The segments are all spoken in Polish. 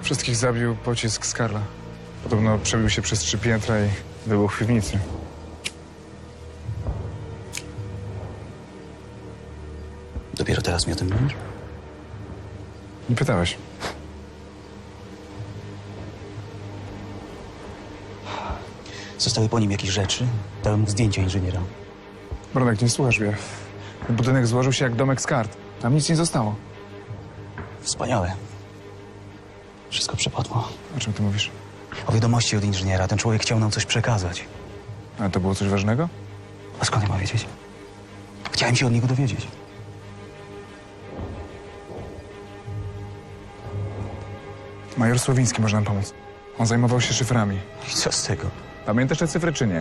Wszystkich zabił pocisk z Karla. Podobno przebił się przez 3 piętra i wybuchł w piwnicy. Dopiero teraz mi o tym mówisz? Nie pytałeś. Zostały po nim jakieś rzeczy? Dałem mu zdjęcia inżyniera. Bronek, nie słuchasz mnie. Ten budynek złożył się jak domek z kart. Tam nic nie zostało. Wspaniałe. Wszystko przepadło. O czym ty mówisz? O wiadomości od inżyniera. Ten człowiek chciał nam coś przekazać. Ale to było coś ważnego? A skąd ja mam wiedzieć? Chciałem się od niego dowiedzieć. Major Słowiński może nam pomóc. On zajmował się szyframi. I co z tego? Pamiętasz te cyfry, czy nie?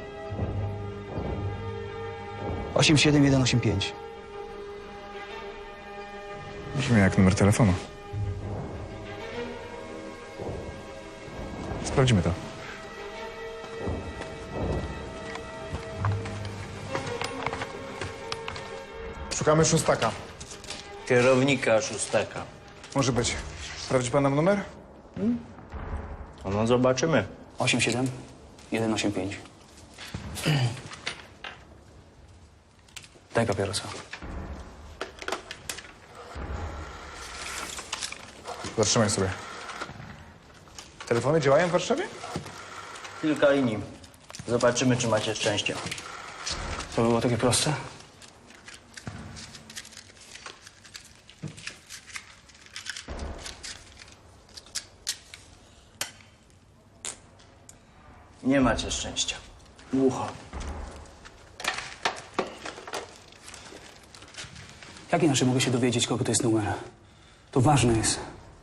87185. Brzmi jak numer telefonu. Sprawdzimy to. Szukamy szóstaka. Kierownika szóstaka. Może być. Sprawdzi pan nam numer? No zobaczymy. 87185. Daj papierosa. Zatrzymaj sobie. Telefony działają w Warszawie? Kilka linii. Zobaczymy, czy macie szczęście. To było takie proste? Nie macie szczęścia. Głucho. Jak inaczej mogę się dowiedzieć, kogo to jest numer? To ważne jest.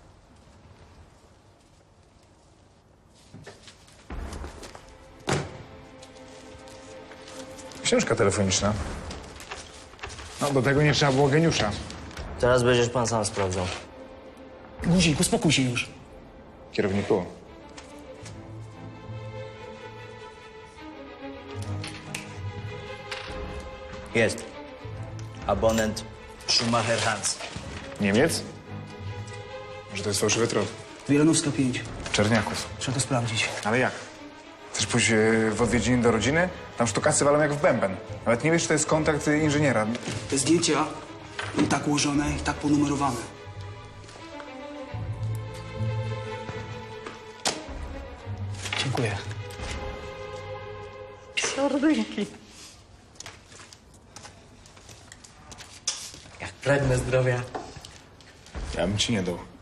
Książka telefoniczna. No, do tego nie trzeba było geniusza. Teraz będziesz pan sam sprawdzał. Guzik, uspokój się już. Kierowniku. Jest. Abonent Schumacher Hans. Niemiec? Może to jest fałszywy trop? Wielanowska 5. Czerniaków. Trzeba to sprawdzić. Ale jak? Chcesz pójść w odwiedziny do rodziny? Tam sztukacy walą jak w bęben. Nawet nie wiesz, czy to jest kontakt inżyniera. Te zdjęcia i tak ułożone, i tak ponumerowane. Dziękuję. Sardynki. Jak pragnę zdrowia. Ja bym ci nie dał.